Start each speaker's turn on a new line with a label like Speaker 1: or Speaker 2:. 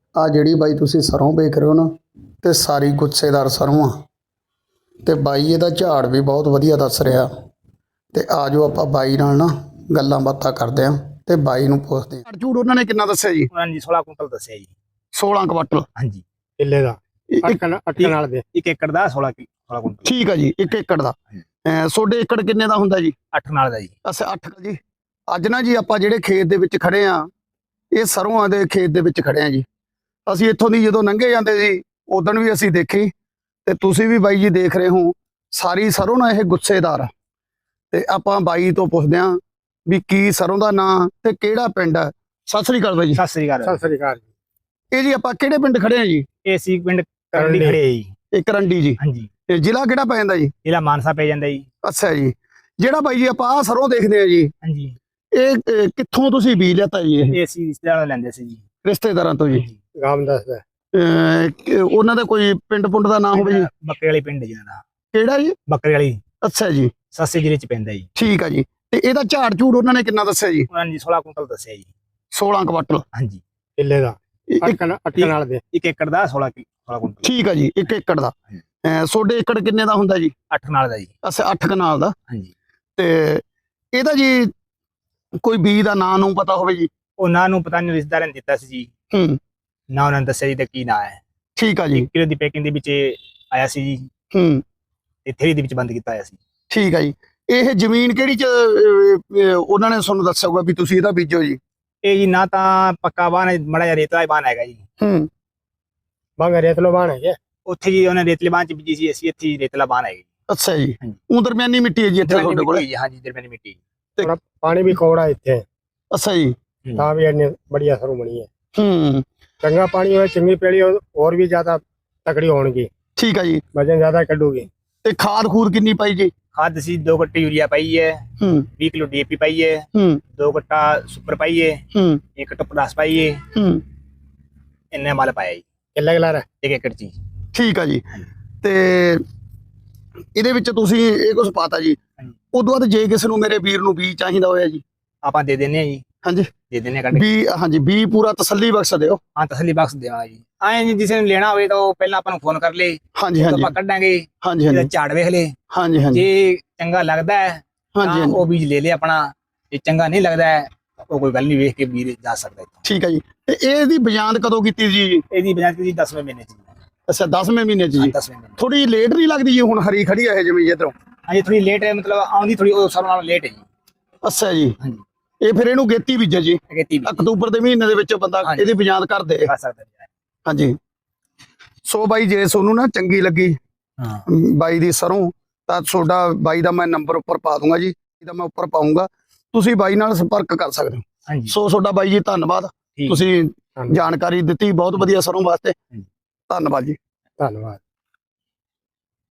Speaker 1: ਆ ਜਿਹੜੀ ਬਾਈ ਤੁਸੀਂ ਸਰੋਂ ਵੇਖ ਰਹੇ ਹੋ ਨਾ, ਤੇ ਸਾਰੀ ਗੁੱਛੇਦਾਰ ਸਰੋਂ ਆ, ਤੇ ਬਾਈ ਇਹਦਾ ਝਾੜ ਵੀ ਬਹੁਤ ਵਧੀਆ ਦੱਸ ਰਿਹਾ। ਤੇ ਆ ਜਾਓ ਆਪਾਂ ਬਾਈ ਨਾਲ ਨਾ ਗੱਲਾਂ ਬਾਤਾਂ ਕਰਦੇ ਆਂ ਤੇ ਬਾਈ ਨੂੰ ਪੁੱਛਦੇ ਆਂ। ਝੂੜ ਉਹਨਾਂ ਨੇ ਕਿੰਨਾ ਦੱਸਿਆ ਜੀ?
Speaker 2: ਉਹਨਾਂ ਨੇ 16 ਕੁਇੰਟਲ ਦੱਸਿਆ ਜੀ।
Speaker 1: 16 ਕੁਆਂਟਲ
Speaker 2: ਹਾਂਜੀ,
Speaker 3: ਕਿੱਲੇ ਦਾ ਅੱਠ ਕਨਾਲ ਦੇ
Speaker 2: 1 ਏਕੜ ਦਾ 16 ਕੁਇੰਟਲ।
Speaker 1: ਠੀਕ ਆ ਜੀ, 1 ਏਕੜ ਦਾ। ਤੁਹਾਡੇ ਏਕੜ ਕਿੰਨੇ ਦਾ ਹੁੰਦਾ ਜੀ?
Speaker 2: 8 ਨਾਲ ਦਾ ਜੀ।
Speaker 1: ਅੱਛਾ 8 ਜੀ। ਅੱਜ ਨਾ ਜੀ ਆਪਾਂ ਜਿਹੜੇ ਖੇਤ ਦੇ ਵਿੱਚ ਖੜੇ ਆ, ਇਹ ਸਰੋਂ ਦੇ ਖੇਤ ਦੇ ਵਿੱਚ ਖੜੇ ਆ ਜੀ। ਅਸੀਂ ਇੱਥੋਂ ਦੀ ਜਦੋਂ ਲੰਘੇ ਜਾਂਦੇ ਸੀ ਉਦੋਂ ਵੀ ਅਸੀਂ ਦੇਖੀ, ਤੇ ਤੁਸੀਂ ਵੀ ਬਾਈ ਜੀ ਦੇਖ ਰਹੇ ਹੋ, ਸਾਰੀ ਸਰੋਂ ਨਾ ਇਹ ਗੁੱਛੇਦਾਰ ਆ। ਤੇ ਆਪਾਂ ਬਾਈ ਤੋਂ ਪੁੱਛਦੇ ਆਂ ਵੀ ਕੀ ਸਰੋਂ ਦਾ ਨਾਂ ਤੇ ਕਿਹੜਾ ਪਿੰਡ ਹੈ। ਸਤਿ ਸ੍ਰੀ ਅਕਾਲ ਬਾਈ ਜੀ।
Speaker 2: ਸਤਿ ਸ੍ਰੀ ਅਕਾਲ।
Speaker 3: ਸਤਿ ਸ੍ਰੀ ਅਕਾਲ ਜੀ।
Speaker 1: ਇਹ ਜੀ ਆਪਾਂ ਕਿਹੜੇ ਪਿੰਡ ਖੜੇ ਆ ਜੀ?
Speaker 2: ਇਹ ਸੀ ਪਿੰਡ ਕਰੰਡੀ ਖੜੇ ਜੀ।
Speaker 1: ਇਹ ਕਰੰਡੀ ਜੀ।
Speaker 2: ਹਾਂਜੀ,
Speaker 1: ਤੇ ਜ਼ਿਲ੍ਹਾ ਕਿਹੜਾ ਪੈ ਜਾਂਦਾ ਜੀ?
Speaker 2: ਜ਼ਿਲ੍ਹਾ ਮਾਨਸਾ ਪੈ ਜਾਂਦਾ ਜੀ।
Speaker 1: ਅੱਛਾ ਜੀ। ਜਿਹੜਾ ਬਾਈ ਜੀ ਆਪਾਂ ਆਹ ਸਰੋਂ ਦੇਖਦੇ ਆ ਜੀ,
Speaker 2: ਹਾਂਜੀ,
Speaker 1: ਇਹ ਕਿੱਥੋਂ ਤੁਸੀਂ ਬੀਜ ਲਿਆਤਾ ਜੀ?
Speaker 2: ਇਹ ਅਸੀਂ ਰਿਸ਼ਤੇਦਾਰਾਂ ਤੋਂ ਲੈਂਦੇ ਸੀ ਜੀ।
Speaker 1: ਰਿਸ਼ਤੇਦਾਰਾਂ ਤੋਂ ਜੀ।
Speaker 3: ਗਾਮ ਦੱਸਦਾ
Speaker 1: ਉਹਨਾਂ ਦਾ ਕੋਈ ਪਿੰਡ ਪੁੰਡ ਦਾ ਨਾਮ ਹੋਵੇ ਜੀ?
Speaker 2: ਬੱਕਰੇ ਵਾਲੀ ਪਿੰਡ ਜੀ ਦਾ।
Speaker 1: ਕਿਹੜਾ ਜੀ?
Speaker 2: ਬੱਕਰੇ ਵਾਲੀ
Speaker 1: ਅੱਛਾ ਜੀ,
Speaker 2: ਸੱਸੇ ਜ਼ਿਲ੍ਹੇ ਚ ਪੈਂਦਾ ਜੀ।
Speaker 1: ਠੀਕ ਆ ਜੀ। ਤੇ ਇਹਦਾ ਝਾੜ ਝੂੜ ਉਹਨਾਂ ਨੇ ਕਿੰਨਾ ਦੱਸਿਆ ਜੀ?
Speaker 2: ਉਹਨਾਂ ਨੇ 16 ਕੁਇੰਟਲ ਦੱਸਿਆ ਜੀ।
Speaker 1: 16 ਕੁਆਂਟਲ।
Speaker 2: ਹਾਂਜੀ,
Speaker 3: ਕਿੱਲੇ ਦਾ ਅੱਠ ਕਨਾਲ ਦੇ
Speaker 2: 1 ਏਕੜ ਦਾ 16 ਕੁਇੰਟਲ।
Speaker 1: ਠੀਕ ਆ ਜੀ, 1 ਏਕੜ ਦਾ। ਤੁਹਾਡੇ ਏਕੜ ਕਿੰਨੇ ਦਾ ਹੁੰਦਾ ਜੀ?
Speaker 2: 8 ਨਾਲ ਦਾ ਜੀ।
Speaker 1: ਅੱਛਾ 8 ਕਨਾਲ ਦਾ।
Speaker 2: ਹਾਂਜੀ,
Speaker 1: ਤੇ ਇਹਦਾ ਜੀ ਕੋਈ ਬੀਜ ਦਾ ਨਾਂ ਨੂੰ ਪਤਾ ਹੋਵੇ ਜੀ?
Speaker 2: ਉਹਨਾਂ ਨੂੰ ਪਤਾ ਨਹੀਂ, ਰਿਸ਼ਤੇਦਾਰਾਂ ਨੇ ਦਿੱਤਾ ਸੀ ਜੀ।
Speaker 1: ਹੂੰ,
Speaker 2: ਨਾ ਉਹਨਾਂ ਨੇ ਦੱਸਿਆ ਜੀ ਤੇ ਕੀ ਨਾਂ ਹੈ।
Speaker 1: ਠੀਕ ਆ ਜੀ।
Speaker 2: 1 ਕਿਲੋ ਦੀ ਪੈਕਿੰਗ ਦੇ ਵਿੱਚ ਆਇਆ ਸੀ ਜੀ,
Speaker 1: ਹੂੰ,
Speaker 2: ਤੇ ਥੈਲੀ ਦੇ ਵਿੱਚ ਬੰਦ ਕੀਤਾ ਹੋਇਆ ਸੀ।
Speaker 1: ਠੀਕ ਆ ਜੀ। ਇਹ ਜ਼ਮੀਨ ਕਿਹੜੀ ਚ ਉਹਨਾਂ ਨੇ ਤੁਹਾਨੂੰ ਦੱਸਿਆ ਹੋਊਗਾ ਵੀ ਤੁਸੀਂ ਇਹਦਾ ਬੀਜੋ ਜੀ?
Speaker 2: ਇਹ ਜੀ ਨਾ ਤਾਂ ਪੱਕਾ ਬਾਨ ਹੈ, ਮੜਾ ਜਿਹਾ ਰੇਤਲਾ ਬਾਨ ਹੈਗਾ ਜੀ।
Speaker 1: ਹੂੰ,
Speaker 3: ਬੰਗ ਰੇਤਲੋ ਬਾਣ ਹੈ
Speaker 2: ਉੱਥੇ ਜੀ ਉਹਨੇ ਰੇਤਲੇ ਬਾਨ ਚ ਬੀਜੀ ਸੀ, ਅਸੀਂ ਇੱਥੇ ਰੇਤਲਾ ਬਾਨ ਹੈਗੀ।
Speaker 1: ਅੱਛਾ ਜੀ।
Speaker 2: ਹਾਂਜੀ।
Speaker 1: ਉਹ ਦਰਮਿਆਨੀ ਮਿੱਟੀ ਹੈ ਜੀ ਇੱਥੇ ਤੁਹਾਡੇ ਕੋਲ?
Speaker 2: ਹਾਂਜੀ, ਦਰਮਿਆਨੀ ਮਿੱਟੀ।
Speaker 3: ਪਾਣੀ ਵੀ ਕੋੜਾ ਇੱਥੇ,
Speaker 1: ਅੱਛਾ ਜੀ।
Speaker 3: ਤਾਂ ਵੀ ਇੰਨੀ ਬੜੀਆ ਸਰੋਂ ਬਣੀ ਹੈ।
Speaker 1: ਹੂੰ,
Speaker 3: ਚੰਗਾ ਪਾਣੀ ਹੋਵੇ, ਚੰਗੀ ਪੈਲੀ ਹੋਰ ਵੀ ਜ਼ਿਆਦਾ ਤਕੜੀ ਹੋਣਗੀ,
Speaker 1: ਠੀਕ ਆ ਜੀ।
Speaker 3: ਵਜਨ ਜ਼ਿਆਦਾ ਕੱਢੂਗੀ।
Speaker 1: ਤੇ ਖਾਦ ਖੂਦ ਕਿੰਨੀ ਪਾਈ ਜੀ?
Speaker 2: ਖਾਦ ਅਸੀਂ 2 ਗੱਟੇ यूरिया ਪਾਈ ਹੈ,
Speaker 1: ਹੂੰ
Speaker 2: 20 ਕਿਲੋ DAP ਪਾਈ ਹੈ,
Speaker 1: ਹੂੰ
Speaker 2: 2 ਗੱਟਾ ਸੁਪਰ ਪਾਈ ਹੈ,
Speaker 1: ਹੂੰ
Speaker 2: 1 ਗੱਟਾ ਪੋਟਾਸ ਪਾਈ ਹੈ,
Speaker 1: ਹੂੰ,
Speaker 2: ਇੰਨੇ ਮਾਲ ਪਾਇਆ ਜੀ
Speaker 3: ਕਿੱਲਾ ਕਿੱਲਾ
Speaker 2: 1 ਏਕੜ ਚ।
Speaker 1: ਠੀਕ ਆ ਜੀ। ਤੇ ਇਹਦੇ ਵਿੱਚ ਤੁਸੀਂ ਇਹ ਕੁਝ ਪਾਤਾ ਜੀ।
Speaker 2: ਹਾਂਜੀ।
Speaker 1: ਉਦੋਂ ਬਾਅਦ ਜੇ ਕਿਸੇ ਨੂੰ ਮੇਰੇ ਵੀਰ ਨੂੰ ਬੀਜ ਚਾਹੀਦਾ ਹੋਇਆ ਜੀ?
Speaker 2: ਆਪਾਂ ਦੇ ਦਿੰਦੇ ਆ ਜੀ।
Speaker 1: ਹਾਂਜੀ,
Speaker 2: ਦੇ ਦਿੰਦੇ ਆ ਕੱਢ ਕੇ।
Speaker 1: ਬੀ ਹਾਂਜੀ ਬੀ ਪੂਰਾ ਤਸੱਲੀ ਬਖਸ਼ ਦਿਓ।
Speaker 2: ਹਾਂ, ਤਸੱਲੀ ਬਖਸ਼ ਦੇਵਾਂਗਾ ਜੀ। ਐਂ ਜੀ ਜਿਸੇ ਨੂੰ ਲੈਣਾ ਹੋਵੇ ਤਾਂ ਉਹ ਪਹਿਲਾਂ ਆਪਾਂ ਨੂੰ ਫੋਨ ਕਰ ਲੇ,
Speaker 1: ਹਾਂਜੀ ਹਾਂਜੀ
Speaker 2: ਆਪਾਂ ਕੱਢਾਂਗੇ,
Speaker 1: ਹਾਂਜੀ
Speaker 2: ਇਹਦਾ
Speaker 1: ਹਾਂਜੀ
Speaker 2: ਝਾੜ ਵੇਖ ਲੇ,
Speaker 1: ਹਾਂਜੀ ਹਾਂਜੀ
Speaker 2: ਜੇ ਚੰਗਾ ਲੱਗਦਾ ਹੈ
Speaker 1: ਹਾਂਜੀ
Speaker 2: ਤਾਂ
Speaker 1: ਹਾਂਜੀ,
Speaker 2: ਉਹ ਬੀਜ ਲੈ ਲੇ ਆਪਣਾ, ਜੇ ਚੰਗਾ ਨਹੀਂ ਲੱਗਦਾ ਹੈ ਉਹ ਕੋਈ ਗੱਲ ਨਹੀਂ, ਵੇਖ ਕੇ ਬੀਜ ਜਾ ਸਕਦਾ ਇੱਥੋਂ।
Speaker 1: ਠੀਕ ਹੈ ਜੀ। ਤੇ ਇਹਦੀ ਬਜਾਂਦ ਕਦੋਂ ਕੀਤੀ ਜੀ?
Speaker 2: ਇਹਦੀ ਬਜਾਜ ਜੀ 10ਵੇਂ ਮਹੀਨੇ ਚ।
Speaker 1: ਅੱਛਾ 10ਵੇਂ ਮਹੀਨੇ ਚ ਜੀ।
Speaker 2: 10ਵੇਂ ਮਹੀਨੇ।
Speaker 1: ਥੋੜੀ ਲੇਟ ਨਹੀਂ ਲੱਗਦੀ ਜੀ? ਹੁਣ ਹਰੀ ਖੜੀ ਹੈ ਜਿਵੇਂ ਇਧਰੋਂ।
Speaker 2: ਹਾਂਜੀ, ਥੋੜੀ ਲੇਟ ਹੈ, ਮਤਲਬ ਆਉਂਦੀ ਥੋੜੀ ਉਸ ਹਿਸਾਬ ਨਾਲ ਲੇਟ ਹੈ ਜੀ।
Speaker 1: ਅੱਛਾ ਜੀ।
Speaker 2: ਹਾਂਜੀ,
Speaker 1: ਇਹ ਫਿਰ ਇਹਨੂੰ ਗੇਤੀ ਬੀਜੇ ਜੀ?
Speaker 2: ਅਗੇਤੀ ਵੀ
Speaker 1: ਅਕਤੂਬਰ ਦੇ ਮਹੀਨੇ ਦੇ ਵਿੱਚ ਬੰਦਾ
Speaker 2: ਹਾਂਜੀ।
Speaker 1: ਇਹਦੀ ਬਜਾਂਦ ਕਰ ਦੇ।
Speaker 2: ਕਰ ਸਕਦਾ ਜੀ।
Speaker 1: ਹਾਂਜੀ। ਸੋ ਬਾਈ ਜੇ ਤੁਹਾਨੂੰ ਨਾ ਚੰਗੀ ਲੱਗੀ
Speaker 2: ਹਾਂ,
Speaker 1: ਬਾਈ ਦੀ ਸਰੋਂ, ਤਾਂ ਤੁਹਾਡਾ ਬਾਈ ਦਾ ਮੈਂ ਨੰਬਰ ਉੱਪਰ ਪਾ ਦੂੰਗਾ ਜੀ, ਇਹਦਾ ਮੈਂ ਉੱਪਰ ਪਾਉਂਗਾ, ਤੁਸੀਂ ਬਾਈ ਨਾਲ ਸੰਪਰਕ ਕਰ ਸਕਦੇ ਹੋ।
Speaker 2: ਹਾਂਜੀ,
Speaker 1: ਸੋ ਤੁਹਾਡਾ ਬਾਈ ਜੀ ਧੰਨਵਾਦ,
Speaker 2: ਠੀਕ।
Speaker 1: ਤੁਸੀਂ ਜਾਣਕਾਰੀ ਦਿੱਤੀ ਬਹੁਤ ਵਧੀਆ ਸਰੋਂ ਵਾਸਤੇ। ਧੰਨਵਾਦ ਜੀ।
Speaker 3: ਧੰਨਵਾਦ।